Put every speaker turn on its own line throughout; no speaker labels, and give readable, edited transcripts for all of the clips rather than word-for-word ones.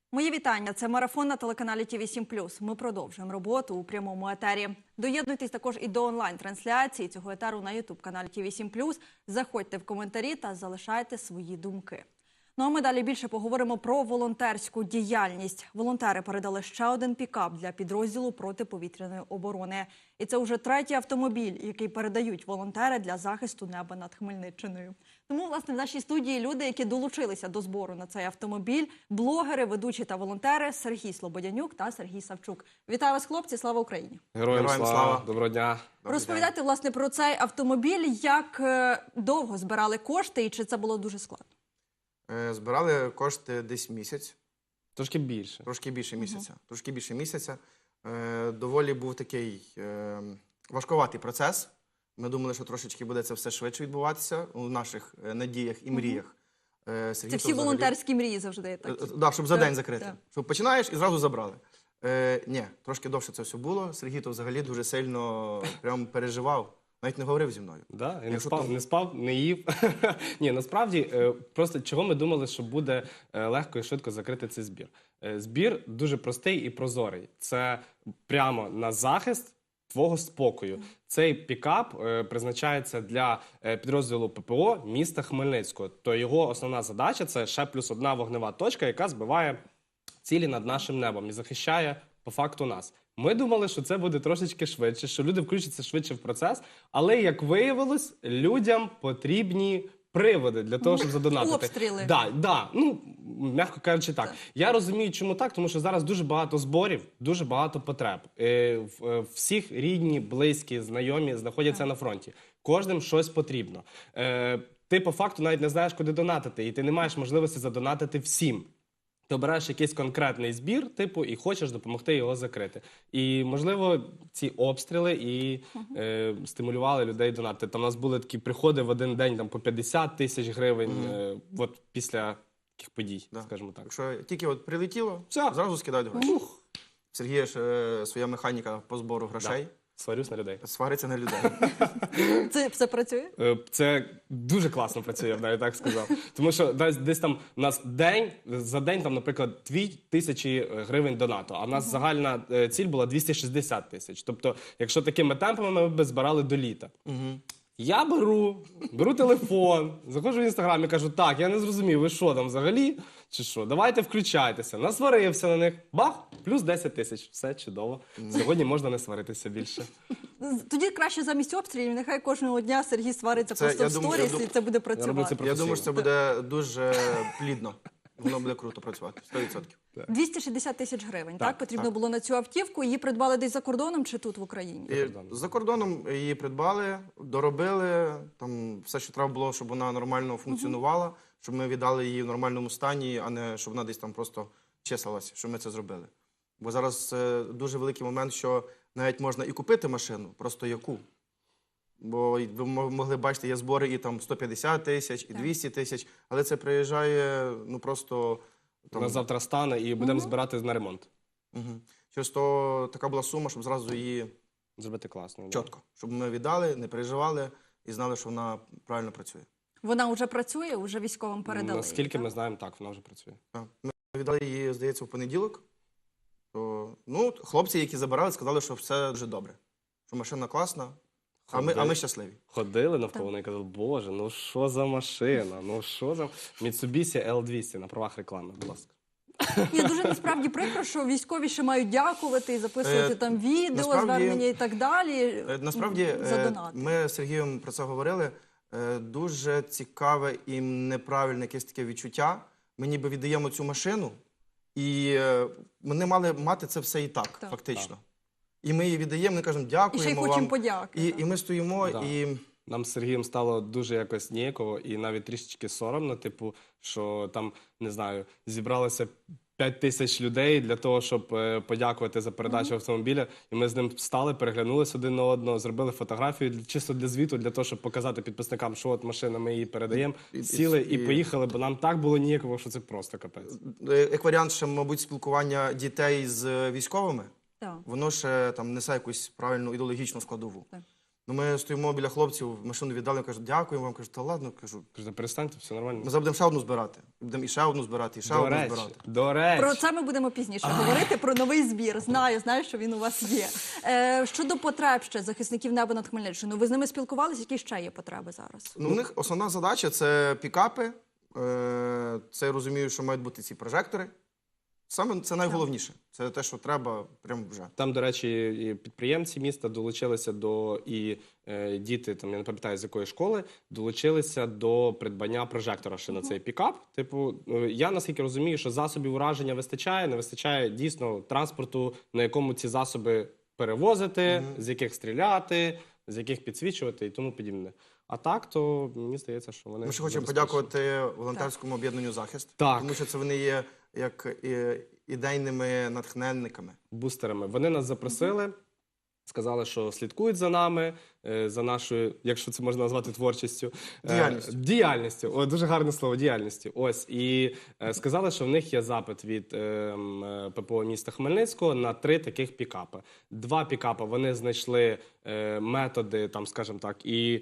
Мої вітання. Це марафон на телеканалі ТВ7+. Ми продовжуємо роботу у прямому етері. Доєднуйтесь також і до онлайн-трансляції цього етеру на YouTube-каналі ТВ7+. Заходьте в коментарі та залишайте свої думки. Ну а ми далі більше поговоримо про волонтерську діяльність. Волонтери передали ще один пікап для підрозділу протиповітряної оборони. І це вже третій автомобіль, який передають волонтери для захисту неба над Хмельниччиною. Тому, власне, в нашій студії люди, які долучилися до збору на цей автомобіль, блогери, ведучі та волонтери Сергій Слободянюк та Сергій Савчук. Вітаю вас, хлопці, слава Україні!
Героям слава! Доброго дня!
Розповідайте, власне, про цей автомобіль, як довго збирали кошти і чи це було дуже складно?
Збирали кошти десь місяць.
Трошки більше.
Трошки більше місяця. Трошки більше місяця. Доволі був такий важкуватий процес. Ми думали, що трошечки буде це все швидше відбуватися у наших надіях і мріях.
Це всі волонтерські мрії завжди такі.
Так, щоб за день закрити. Щоб починаєш і зразу забрали. Ні, трошки довше це все було. Сергій то взагалі дуже сильно прям переживав. Навіть не говорив зі мною.
Да, і не спав, не їв. Ні, насправді, просто чого ми думали, що буде легко і швидко закрити цей збір. Збір дуже простий і прозорий. Це прямо на захист твого спокою. Цей пікап призначається для підрозділу ППО міста Хмельницького. То його основна задача – це ще плюс одна вогнева точка, яка збиває цілі над нашим небом і захищає по факту нас. Ми думали, що це буде трошечки швидше, що люди включаться швидше в процес, але, як виявилось, людям потрібні приводи для того, щоб задонатити.
Обстріли.
Да, ну, м'яко кажучи так. Я розумію, чому так, тому що зараз дуже багато зборів, дуже багато потреб. Всіх рідні, близькі, знайомі знаходяться на фронті. Кожним щось потрібно. Ти по факту навіть не знаєш, куди донатити, і ти не маєш можливості задонатити всім. Ти обираєш якийсь конкретний збір, типу, і хочеш допомогти його закрити. І, можливо, ці обстріли і стимулювали людей донатити. Там у нас були такі приходи в один день там, по 50 тисяч гривень от після таких подій, скажімо так.
Якщо тільки от прилетіло, зразу скидають гроші. Сергія ж своя механіка по збору грошей.
Сварюсь на людей.
Свариться на людей.
Це все працює?
Це дуже класно працює, я б навіть так сказав. Тому що десь там у нас за день, там, наприклад, 2000 гривень донату, а в нас загальна ціль була 260 тисяч. Тобто, якщо такими темпами ми б збирали до літа. Я беру телефон, заходжу в Інстаграм і кажу, так, я не зрозумів, ви що там взагалі, чи що, давайте включайтеся. Насварився на них, бах, плюс 10 тисяч, все чудово. Сьогодні можна не сваритися більше.
Тоді краще замість обстрілів, нехай кожного дня Сергій свариться просто в сторіс, і це буде працювати.
Я думаю, що це буде дуже плідно. Воно буде круто працювати, 100%.
260 тисяч гривень, так? Потрібно було на цю автівку. Її придбали десь за кордоном чи тут в Україні?
За кордоном її придбали, доробили, там все, що треба було, щоб вона нормально функціонувала, щоб ми віддали її в нормальному стані, а не щоб вона десь там просто числилася, щоб ми це зробили. Бо зараз дуже великий момент, що навіть можна і купити машину, просто яку. Бо ви могли бачити, є збори і там 150 тисяч, і 200 тисяч, але це приїжджає, ну просто...
У нас завтра стане і будемо збирати на ремонт.
Через то така була сума, щоб зразу її...
Зробити класно.
Чітко. Щоб ми віддали, не переживали і знали, що вона правильно працює.
Вона вже працює, вже військовим передали?
Наскільки ми знаємо, так, вона вже працює.
Ми віддали її, здається, в понеділок. Ну, хлопці, які забирали, сказали, що все дуже добре. Що машина класна. А ми щасливі.
Ходили навколо і казали, боже, ну що за машина, ну що за... Mitsubishi L200 на правах реклами, будь ласка.
Ні, дуже насправді прикро, що військові ще мають дякувати і записувати там відео, звернення і так далі.
Насправді, ми з Сергієм про це говорили, дуже цікаве і неправильне якесь таке відчуття. Ми ніби віддаємо цю машину, і вони мали мати це все і так, фактично. І ми її віддаємо, ми кажемо, дякуємо вам.
І ще й хочемо подяки.
І ми стоїмо, і...
Нам з Сергієм стало дуже якось ніяково і навіть трішечки соромно, типу, що там, не знаю, зібралося 5 тисяч людей для того, щоб подякувати за передачу автомобіля. І ми з ним встали, переглянулися один на одного, зробили фотографію чисто для звіту, для того, щоб показати підписникам, що от машина, ми її передаємо, сіли і поїхали, бо нам так було ніяково, що це просто капець.
Як варіант ще, мабуть, спілкування дітей з військовими, воно ще там несе якусь правильну ідеологічну складову. Ну, ми стоїмо біля хлопців, машину віддали, кажуть, дякуємо вам. Кажуть, та ладно, кажу.
Кажу, перестаньте, все нормально.
Ми зараз будемо ще одну збирати. Будемо і ще одну збирати, і ще
До
одну
речі,
збирати.
до речі.
Про це ми будемо пізніше говорити, про новий збір. Знаю, що він у вас є. Щодо потреб ще захисників неба над Хмельниччиною, ви з ними спілкувалися? Які ще є потреби зараз?
Ну, у них основна задача – це пікапи. Це я розумію, що мають бути ці прожектори. Саме це найголовніше. Це те, що треба прямо вже.
Там, до речі, і підприємці міста долучилися до, і діти, там, я не пам'ятаю, з якої школи, долучилися до придбання прожектора ще на цей пікап. Типу, я наскільки розумію, що засобів ураження вистачає, не вистачає дійсно транспорту, на якому ці засоби перевозити, з яких стріляти, з яких підсвічувати і тому подібне. А так, то мені здається, що вони...
Ми ще хочемо
забезпечені.
подякувати волонтерському об'єднанню «Захист»,
Так.
тому що це вони є як ідейними натхненниками.
Бустерами. Вони нас запросили, сказали, що слідкують за нами, за нашою, якщо це можна назвати творчістю.
Діяльністю.
Діяльністю. О, дуже гарне слово, діяльністю. Ось. І сказали, що в них є запит від ППО міста Хмельницького на 3 таких пікапи. 2 пікапи вони знайшли методи, там, скажімо так, і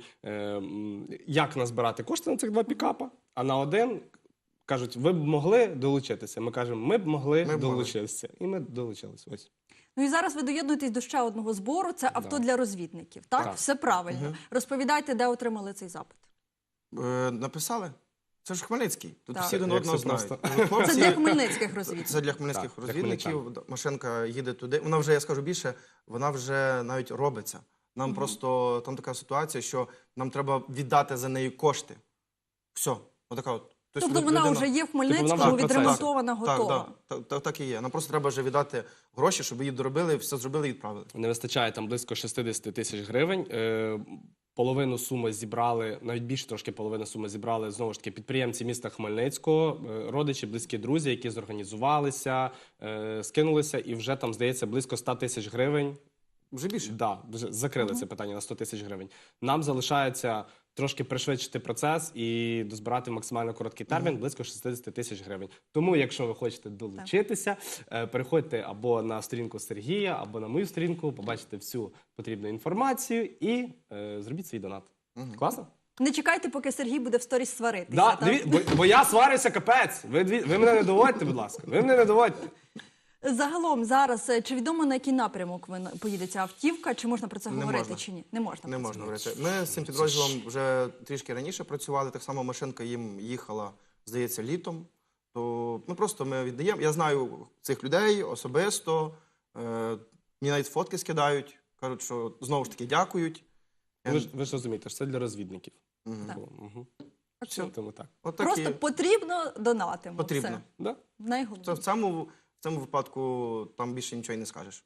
як назбирати кошти на цих 2 пікапа, а на 1 кажуть, ви б могли долучитися. Ми кажемо, ми б могли долучитися. І ми долучилися. Ось.
Ну і зараз ви доєднуєтесь до ще одного збору. Це авто для розвідників. Так?
Так.
Все правильно. Розповідайте, де отримали цей запит.
Написали? Це ж Хмельницький. Тут
Так.
всі один
Як
одного
все
знають.
просто.
Це для хмельницьких розвідників.
Це для хмельницьких
Так, для
розвідників. Машинка їде туди. Вона вже, я скажу більше, вона вже навіть робиться. Нам просто там така ситуація, що нам треба віддати за неї кошти. Все. Отака от.
Тобто вона вже є в Хмельницькому,
вона вже в
відремонтована,
Так,
готова.
так і є. Нам просто треба вже віддати гроші, щоб її доробили, все зробили і відправили.
Не вистачає там близько 60 тисяч гривень. Половину суми зібрали, навіть більше трошки половини суми зібрали, знову ж таки, підприємці міста Хмельницького, родичі, близькі друзі, які зорганізувалися, скинулися, і вже там, здається, близько 100 тисяч гривень.
Вже більше.
Да, вже закрили це питання на 100 тисяч гривень. Нам залишається трошки пришвидшити процес і дозбирати в максимально короткий термін близько 60 тисяч гривень. Тому, якщо ви хочете долучитися, переходьте або на сторінку Сергія, або на мою сторінку, побачите всю потрібну інформацію і зробіть свій донат. Класно?
Не чекайте, поки Сергій буде в сторіс сваритися.
Да,
так?
бо я сварюся капець. Ви мене не доводьте, будь ласка. Ви мене не доводьте.
Загалом зараз, чи відомо, на який напрямок поїде ця автівка, чи можна про це
Не
говорити,
можна.
чи ні? Не можна.
Не
про це
можна говорити. Ми з цим підрозділом вже трішки раніше працювали. Так само машинка їм їхала, здається, літом. То ми віддаємо. Я знаю цих людей особисто. Мені навіть фотки скидають. Кажуть, що знову ж таки дякують.
Ви ж розумієте, що це для розвідників.
Так.
Все, тому так.
От так
Просто
і
потрібно донатимо.
потрібно.
Все.
Да?
Це
Найголовніше.
в цьому випадку там більше нічого й не скажеш.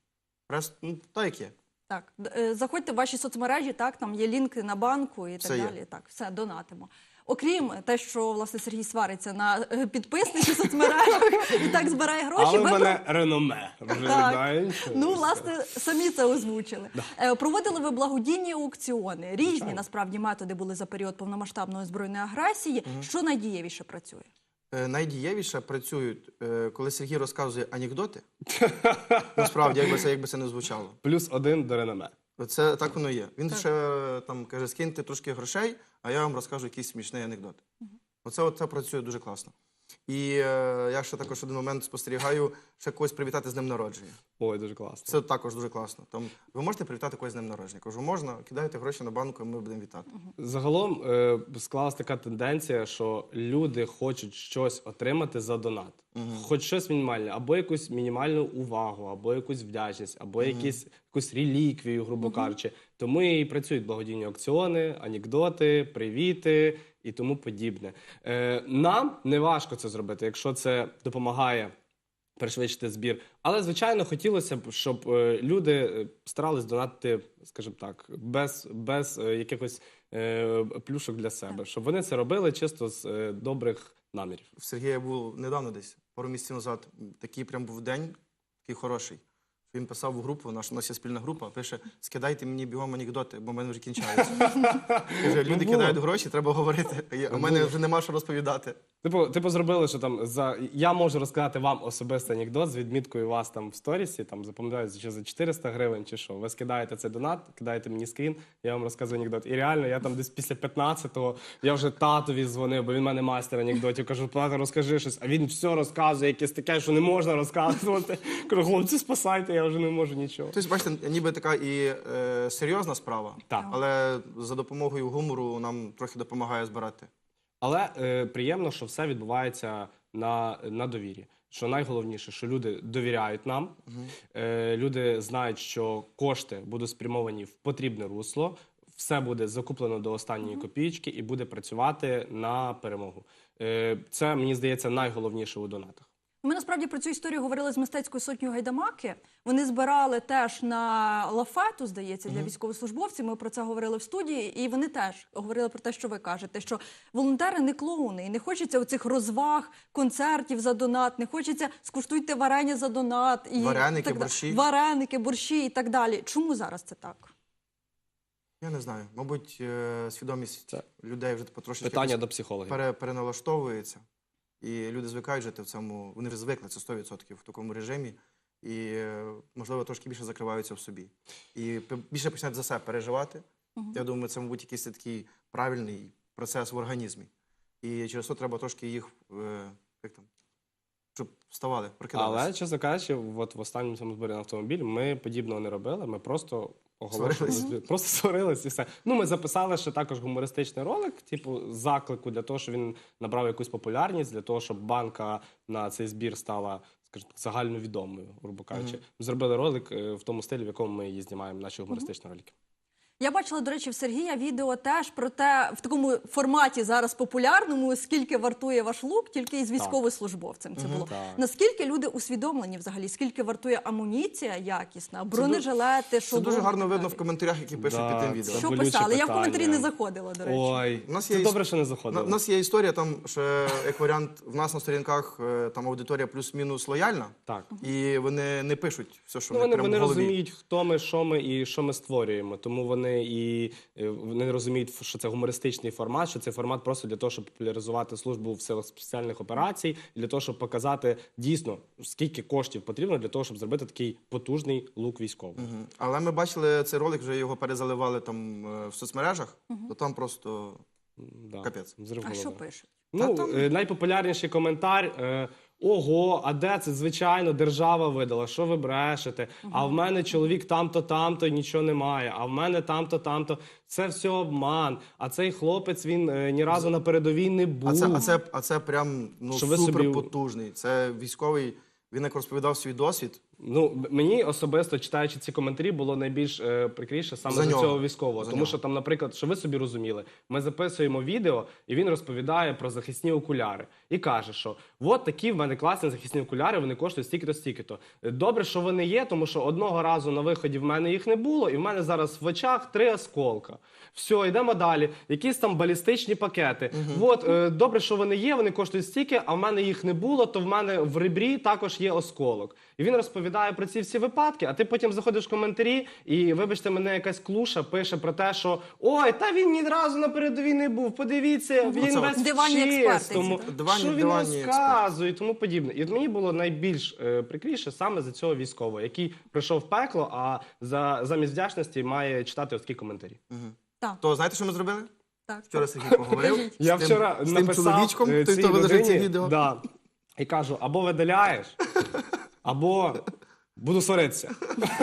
Так як є.
Так, заходьте в ваші соцмережі, так, там є лінки на банку і так
Все є.
далі. Так, все, донатимо. Окрім те, що, власне, Сергій свариться на підписників соцмережах і так збирає гроші.
Але в
ви
мене реноме. Ви вже
Так.
знаєте.
Ну, власне, самі це озвучили. Проводили ви благодійні аукціони. Різні, насправді, методи були за період повномасштабної збройної агресії. Що найдієвіше працює?
Найдієвіше працюють, коли Сергій розказує анекдоти. Насправді, якби це не звучало.
+1 до реноме.
Це так воно є. Він ще там каже, скиньте трошки грошей, а я вам розкажу якийсь смішний анекдот. Оце працює дуже класно. І я ще також один момент спостерігаю, ще когось привітати з днем народження.
Ой, дуже класно.
Це також дуже класно. Там, ви можете привітати когось з днем народження? Кажу, можна, кидайте гроші на банку, і ми будемо вітати.
Загалом склалась така тенденця, що люди хочуть щось отримати за донат. Хоч щось мінімальне, або якусь мінімальну увагу, або якусь вдячність, або якусь реліквію, грубо кажучи. Тому і працюють благодійні аукціони, анекдоти, привіти і тому подібне. Нам не важко це зробити, якщо це допомагає пришвидшити збір. Але, звичайно, хотілося б, щоб люди старались донатити, скажімо так, без якихось плюшок для себе. Щоб вони це робили чисто з добрих намірів.
В Сергія був недавно десь, пару місяців назад, такий прям був день, такий хороший. Він писав в групу, у нас є спільна група, пише, скидайте мені бігом анекдоти, бо в мене вже кінчаються. Каже, люди кидають гроші, треба говорити, а в мене вже нема що розповідати.
Типу зробили, що там я можу розказати вам особистий анекдот з відміткою вас там в сторісі, там запам'ятаю, чи за 400 гривень, чи що. Ви скидаєте цей донат, кидаєте мені скрін, я вам розказую анекдот. І реально, я там десь після 15-го, я вже татові дзвонив, бо він в мене майстер анекдотів. Кажу, тато, розкажи щось, а він все розказує, якесь таке, що не можна розказувати. Кажу, хлопці, спасайте, я вже не можу нічого.
Тобто, бачите, ніби така і серйозна справа,
Так.
але за допомогою гумору нам трохи допомагає збирати.
Але приємно, що все відбувається на довірі. Що найголовніше, що люди довіряють нам, люди знають, що кошти будуть спрямовані в потрібне русло, все буде закуплено до останньої копійки і буде працювати на перемогу. Це, мені здається, найголовніше у донатах.
Ми насправді про цю історію говорили з мистецькою сотнею Гайдамаки. Вони збирали теж на лафету, здається, для військовослужбовців. Ми про це говорили в студії, і вони теж говорили про те, що ви кажете, що волонтери не клоуни, і не хочеться оцих розваг, концертів за донат, не хочеться скуштуйте варення за донат. І
Вареники,
так
борщі.
Вареники, борщі і так далі. Чому зараз це так?
Я не знаю. Мабуть, свідомість людей вже потрошки
Питання до психологів.
переналаштовується. І люди звикають жити в цьому, вони вже звикли, це 100% в такому режимі. І, можливо, трошки більше закриваються в собі. І більше починають за себе переживати. Я думаю, це, мабуть, якийсь такий правильний процес в організмі. І через це треба трошки їх, як там, щоб вставали, прокидалися.
Але, чесно кажучи, от в останньому цьому зборі на автомобіль ми подібного не робили, ми просто оголошували, просто сварились і все. Ну, ми записали ще також гумористичний ролик, типу, заклику для того, щоб він набрав якусь популярність, для того, щоб банка на цей збір стала, скажімо так, загальновідомою, грубо кажучи. Ми зробили ролик в тому стилі, в якому ми її знімаємо, наші гумористичні ролики.
Я бачила, до речі, в Сергія відео теж про те, в такому форматі зараз популярному, скільки вартує ваш лук, тільки із військовослужбовцем це було.
Так.
Наскільки люди усвідомлені взагалі, скільки вартує амуніція якісна, бронежилети,
Це дуже гарно видно в коментарях, які пишуть під тим відео.
Що
болюче
писали? Я в
питання.
коментарі не заходила, до речі.
Ой,
У нас є
це добре, що не заходили.
У нас є історія, там ще, як варіант, в нас на сторінках там аудиторія плюс-мінус лояльна.
Так.
І вони не пишуть все, що
Ну,
в них
вони
прямо в голові.
розуміють, хто ми, і що ми створюємо. Тому вони розуміють, що це гумористичний формат, що це формат просто для того, щоб популяризувати службу в силах спеціальних операцій, і для того, щоб показати дійсно, скільки коштів потрібно для того, щоб зробити такий потужний лук військовий.
Але ми бачили цей ролик, вже його перезаливали там в соцмережах, то там просто
Да.
капець.
Взрив
А
голови.
що пишуть?
Ну,
там-
найпопулярніший коментар. Ого, а де це? Звичайно, держава видала, що ви брешете? А в мене чоловік там-то, там-то, і нічого немає. А в мене там-то, там-то. Це все обман. А цей хлопець, він ні разу на передовій не був.
А це прям
Що ви собі-
супер потужний. Це військовий, він як розповідав свій досвід.
Ну, мені особисто, читаючи ці коментарі, було найбільш прикріше саме
За
за
нього.
цього військового.
За
Тому
нього.
що там, наприклад, що ви собі розуміли, ми записуємо відео, і він розповідає про захисні окуляри. І каже, що от такі в мене класні захисні окуляри, вони коштують стільки-то, стільки-то. Добре, що вони є, тому що одного разу на виході в мене їх не було, і в мене зараз в очах 3 осколка. Все, йдемо далі. Якісь там балістичні пакети. От, добре, що вони є, вони коштують стільки, а в мене їх не було, то в мене в ребрі також є осколок. І він розповідає про ці всі випадки, а ти потім заходиш в коментарі, і, вибачте, мене якась клуша пише про те, що ой, та він ні разу на передовій не був, подивіться, він
Це
весь в
диванні експерти
чистому,
ці,
так.
що він
Диванні
розказує і тому подібне. І от мені було найбільш прикріше саме за цього військового, який прийшов в пекло, а замість вдячності має читати ось такі коментарі.
Так,
То знаєте, що ми зробили?
так.
Вчора Сергій поговорив
Я
з тим,
вчора
з тим
написав
чоловічком, той,
цій
хто виложив це
людині,
відео.
да, і кажу, або видаляєш, або буду сваритися.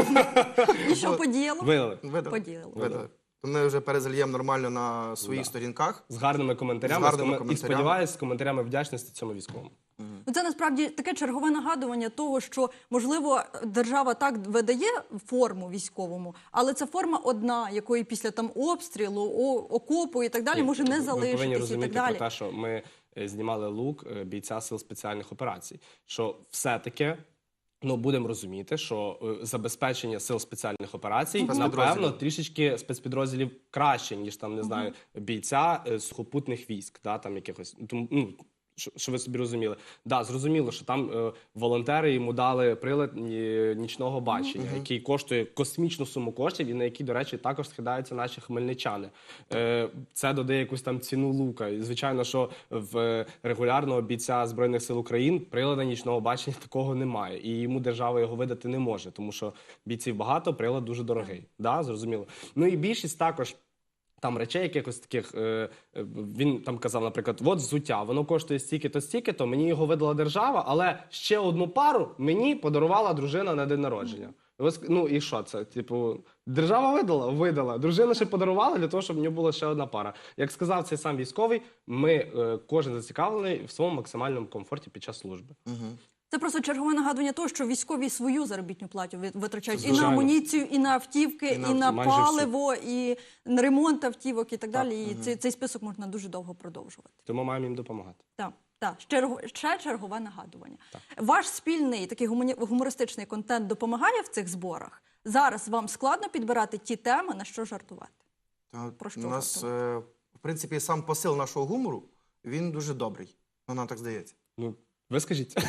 І що подіяло?
Видали.
Видали.
Поділили.
Видали. То ми вже перезальємо нормально на своїх сторінках.
З гарними коментарями,
З гарними
і
коментарями.
сподіваюся, з коментарями вдячності цьому військовому.
Ну, це насправді таке чергове нагадування того, що, можливо, держава так видає форму військовому, але це форма одна, якої після там обстрілу, окопу і так далі може не
Ви повинні
залишитися і
розуміти
так далі.
про те, що ми знімали лук бійця сил спеціальних операцій. Що все-таки, ну, будемо розуміти, що забезпечення сил спеціальних операцій,
Спецпідрозділів.
напевно, трішечки спецпідрозділів краще, ніж там, не знаю, бійця сухопутних військ, да, там якихось. Тому, ну, Що ви собі розуміли. Да, зрозуміло, що там волонтери йому дали прилад нічного бачення, який коштує космічну суму коштів і на який, до речі, також скидаються наші хмельничани. Це додає якусь там ціну лука. І, звичайно, що в регулярного бійця Збройних сил України прилада нічного бачення такого немає. І йому держава його видати не може, тому що бійців багато, прилад дуже дорогий. Да, зрозуміло. Ну і більшість також там речей якихось таких, він там казав, наприклад, от взуття, воно коштує стільки-то, мені його видала держава, але ще одну пару мені подарувала дружина на день народження. Ну і що це? Типу, держава видала. Дружина ще подарувала для того, щоб в нього була ще одна пара. Як сказав цей сам військовий, ми кожен зацікавлений в своєму максимальному комфорті під час служби.
Це просто чергове нагадування того, що військові свою заробітну плату витрачають і на
Звичайно.
амуніцію, і на автівки, і на
майже
паливо, і на ремонт автівок і так далі. І цей список можна дуже довго продовжувати.
Тому маємо їм допомагати.
Так. Ще чергове нагадування. Ваш спільний такий гумористичний контент допомагає в цих зборах? Зараз вам складно підбирати ті теми, на що жартувати? Про що
У нас,
жартувати?
в принципі, сам посил нашого гумору, він дуже добрий. Ну, нам так здається.
Ну, ви скажіть.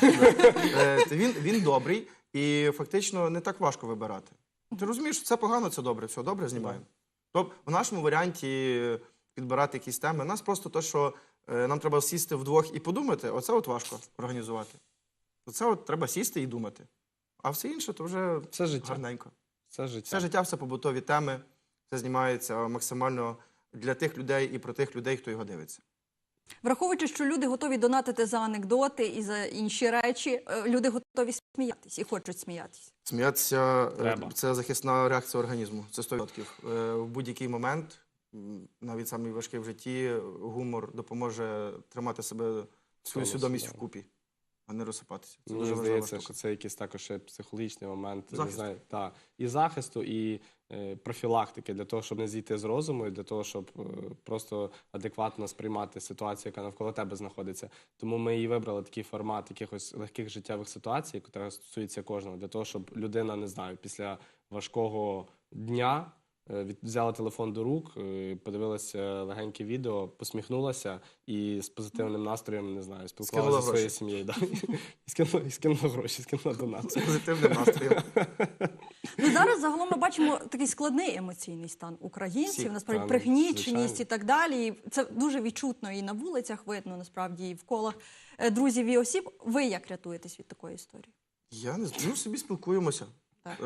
Він добрий і фактично не так важко вибирати. Ти розумієш, що це погано, це добре, все добре, знімаємо. Тобто в нашому варіанті підбирати якісь теми, нас просто те, що нам треба сісти вдвох і подумати, оце от важко організувати. Оце от треба сісти і думати. А все інше то вже
Це життя.
гарненько.
Це життя.
Все життя, все побутові теми, це знімається максимально для тих людей і про тих людей, хто його дивиться.
Враховуючи, що люди готові донатити за анекдоти і за інші речі, люди готові сміятись і хочуть сміятись.
Сміятися
Треба.
– це захисна реакція організму, це 100%. В будь-який момент, навіть самий важкий в житті, гумор допоможе тримати себе, свою свідомість вкупі, а не розсипатися. Це
Мені
дуже важлива
здається,
штука.
що це якийсь також ще психологічний момент.
Захисту.
Не знаю, і захисту, і профілактики, для того, щоб не зійти з розуму, і для того, щоб просто адекватно сприймати ситуацію, яка навколо тебе знаходиться. Тому ми і вибрали такий формат якихось легких життєвих ситуацій, яка стосується кожного, для того, щоб людина, не знаю, після важкого дня взяла телефон до рук, подивилася легеньке відео, посміхнулася і з позитивним настроєм, не знаю, спілкувалася зі своєю сім'єю. Да? І скинула гроші, скинула донат.
З позитивним настроєм.
Ну, зараз загалом ми бачимо такий складний емоційний стан українців,
Всіх,
насправді
там,
пригніченість
звичайно.
і так далі. І це дуже відчутно і на вулицях видно, насправді, і в колах друзів і осіб. Ви як рятуєтесь від такої історії?
Я не знаю, ми собі спілкуємося.
Так.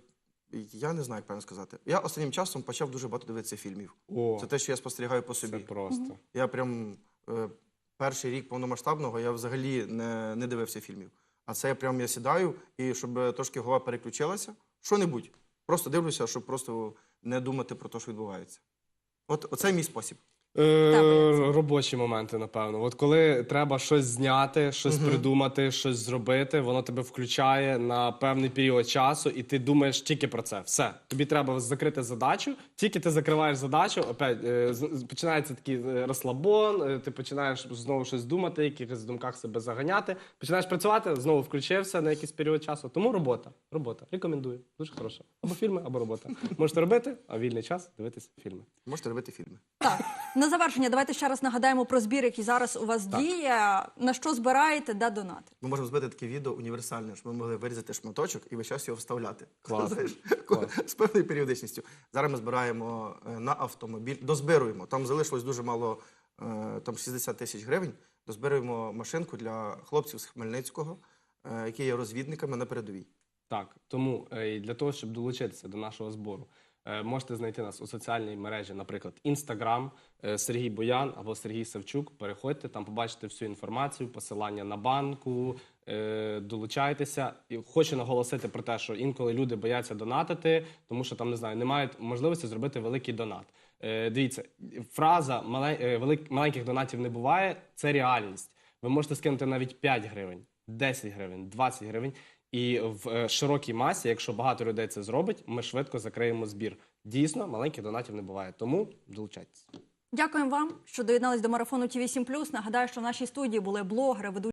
Я не знаю, як правильно сказати. Я останнім часом почав дуже багато дивитися фільмів.
О,
Це те, що я спостерігаю по собі.
це просто.
Я прям перший рік повномасштабного я взагалі не дивився фільмів. А це я сідаю, і щоб трошки голова переключилася, що-небудь. Просто дивлюся, щоб просто не думати про те, що відбувається. Оце мій спосіб.
Робочі моменти, напевно. От коли треба щось зняти, щось придумати, щось зробити, воно тебе включає на певний період часу, і ти думаєш тільки про це. Все. Тобі треба закрити задачу, тільки ти закриваєш задачу, опять починається такий розслабон, ти починаєш знову щось думати, якихось думках себе заганяти, починаєш працювати, знову включився на якийсь період часу. Тому робота. Рекомендую. Дуже хороша. Або фільми, або робота. Можете робити, а вільний час дивитися фільми.
Можете робити фільми.
Так, на завершення давайте ще раз нагадаємо про збір, який зараз у вас діє. На що збираєте, де донати?
Ми можемо зробити таке відео універсальне, щоб ми могли вирізати шматочок і весь час його вставляти.
Клас.
Знаєш,
Клас.
з певною періодичністю. Зараз ми збираємо на автомобіль, дозбируємо. Там залишилось дуже мало, там 60 тисяч гривень. Дозбируємо машинку для хлопців з Хмельницького, які є розвідниками на передовій.
Так, тому для того, щоб долучитися до нашого збору, можете знайти нас у соціальній мережі, наприклад, Instagram, Сергій Боян або Сергій Савчук. Переходьте, там побачите всю інформацію, посилання на банку, долучайтеся. І хочу наголосити про те, що інколи люди бояться донатити, тому що там, не знаю, не мають можливості зробити великий донат. Дивіться, фраза «маленьких донатів не буває» – це реальність. Ви можете скинути навіть 5 гривень, 10 гривень, 20 гривень. І в широкій масі, якщо багато людей це зробить, ми швидко закриємо збір. Дійсно, маленьких донатів не буває. Тому долучайтесь.
Дякуємо вам, що доєднались до марафону ТІВІ 7+. Нагадаю, що в нашій студії були блогери, ведучі